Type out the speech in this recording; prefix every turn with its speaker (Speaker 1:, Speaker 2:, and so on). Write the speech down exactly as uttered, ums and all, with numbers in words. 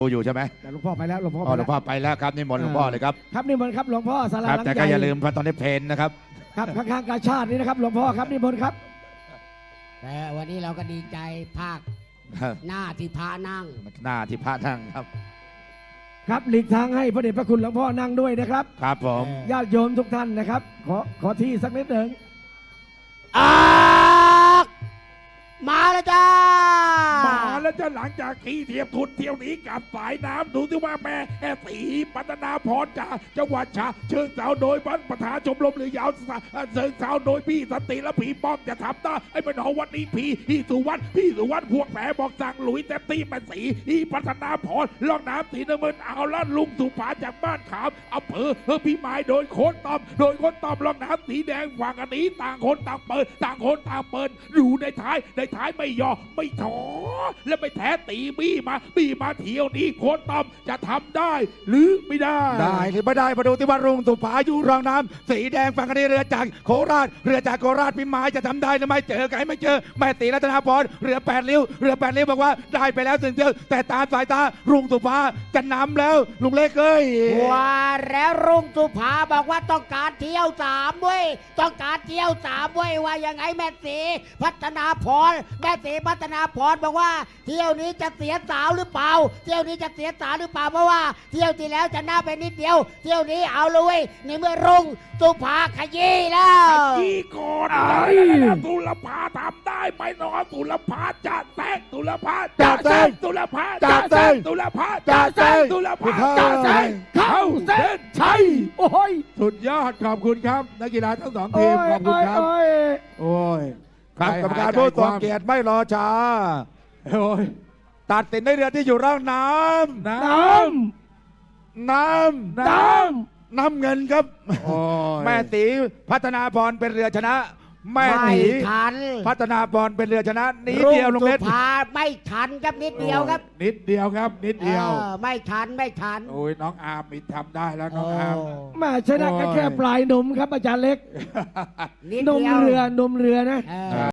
Speaker 1: อยู่ใช่ไหม
Speaker 2: หลวงพ่อไปแล้วหลวงพ่อ
Speaker 1: อ๋อหลวงพ่อไปแล้วครับนิมนต์หลวงพ่อเลยครับ
Speaker 2: ครับนิมนต์ครับหลวงพ่อศาลา
Speaker 1: ครับ
Speaker 2: หลัง
Speaker 1: แต่
Speaker 2: ให
Speaker 1: ก็
Speaker 2: ญ่
Speaker 1: อย่าลืมพระตอนนี้เพนนะครับ
Speaker 2: ครับข้างๆกาชาตินี่นะครับหลวงพ่อครับนิมนต์ครับ
Speaker 3: แต่วันนี้เราก็ดีใจภาคหน้าที่พระนั่ง
Speaker 1: หน้าที่พระนั่งครับ
Speaker 2: ครับหลีกทางให้พระเดชพระคุณหลวงพ่อนั่งด้วยนะครับ
Speaker 1: ครับผม
Speaker 2: ญาติโยมทุกท่านนะครับขอขอที่สักนิดหนึ่ง
Speaker 3: อากมาแล้วจ้า
Speaker 4: มาแล้วจะหลังจากขี่เทียบทุนเที่ยวนี้กับสายน้ำดูที่ว่าแม่แอสีปัตนาพรจากจังหวัดฉะเชิงเทราโดยบรรประธานชมรมเรือยาวเชิงเทราโดยพี่สันติและพี่ป้อมจะทำได้ไอ้เป็นหอวันนี้พี่พี่สุวรรณพี่สุวรรณพวกแผลบอกสั่งหลุยเต็มที่แม่สีอีปัตนาพรล่องน้ำสีน้ำเงินเอาละลุงสุภาจากบ้านขามอำเภอเฮอพี่ไม้โดยโค้ดตอมโดยโค้ดตอมล่องน้ำสีแดงฝั่งอันนี้ต่างคนต่างเปิดต่างคนต่างเปิดอยู่ในท้ายในท้ายไม่ยอมไม่ถอและไม่แท้ตีบี้มาบี้มาเที่ยวนี้โค้ดตอมจะทำได้หรือไม่ได้
Speaker 1: ได้หรือไม่ได้มาดูที่ว่ารุ่งสุภาอยู่รองน้ำสีแดงฝั่งคดีเรือจากโคราชเรือจากโคราชพิมายจะทำได้หรือไม่เจอกันไม่เจอแม่ตีรัตนาพรเรือแปดริ้วเรือแปดริ้วบอกว่าได้ไปแล้วถึงเดียวแต่ตามสายตารุ่งสุภาจะนำแล้วลุงเล็กเอ้ย
Speaker 3: ว่าแล้วรุ่งสุภาบอกว่าต้องการเที่ยวสามเว้ยต้องการเที่ยวสามเว้ยว่ายังไงแม่สีพัฒนาพรแม่สีพัฒนาพรบอกว่าเที่ยวนี้จะเสียสาวหรือเปล่าเที่ยวนี้จะเสียสาวหรือเปล่าเพราะว่าเที่ยวที่แล้วจะหน้าไปนิดเดียวเที่ยวนี้เอาเลยในเมื่อรุ่งสุภาขยี้แล้ว
Speaker 4: ยี่ก่อนตุลภาทำได้ไหมน้องตุลภาจะแซงตุลภาจะแซงตุลภาจะแซงตุลภาจะแซงตุลภาจะแซงเข้าเส้นชัย
Speaker 2: โอ้ย
Speaker 4: สุดยอดขอบคุณครับนักกีฬาทั้งสองทีมขอบคุณครับ
Speaker 2: โอ้ย
Speaker 4: โอ้ย
Speaker 1: ครับกรรมการผู้ทรงเกียรติไม่รอช้า
Speaker 4: โอ้ย
Speaker 1: ตัดสินในเรือที่อยู่ร่องน้
Speaker 4: น้
Speaker 1: ำน้
Speaker 4: ำน้
Speaker 1: ำน้ำเงินครับ
Speaker 4: ำโอ้ย
Speaker 1: แม่ตีพัฒนาพรเป็นเรือชนะ แม่
Speaker 3: ไม่
Speaker 1: ตี
Speaker 3: ทัน
Speaker 1: พัฒนาพรเป็นเรือชนะนิด
Speaker 3: รุ่ง
Speaker 1: เดียวลง
Speaker 3: สุ
Speaker 1: เล็ด
Speaker 3: ภาไม่ทันครับนิดเดียวครับ
Speaker 4: โอ้นิดเดียวครับ นิดเดียว
Speaker 3: ออไม่ทันไม่ทัน
Speaker 4: โอ้ยน้องอาร์มมีทำได้แล้วน้องอาร์ม
Speaker 2: แม่ชนะก็แค่ปลายนมครับอาจารย์เล็ก
Speaker 3: นิด
Speaker 2: นม
Speaker 3: เดียว
Speaker 2: เรือนมเรือนะ
Speaker 3: เออ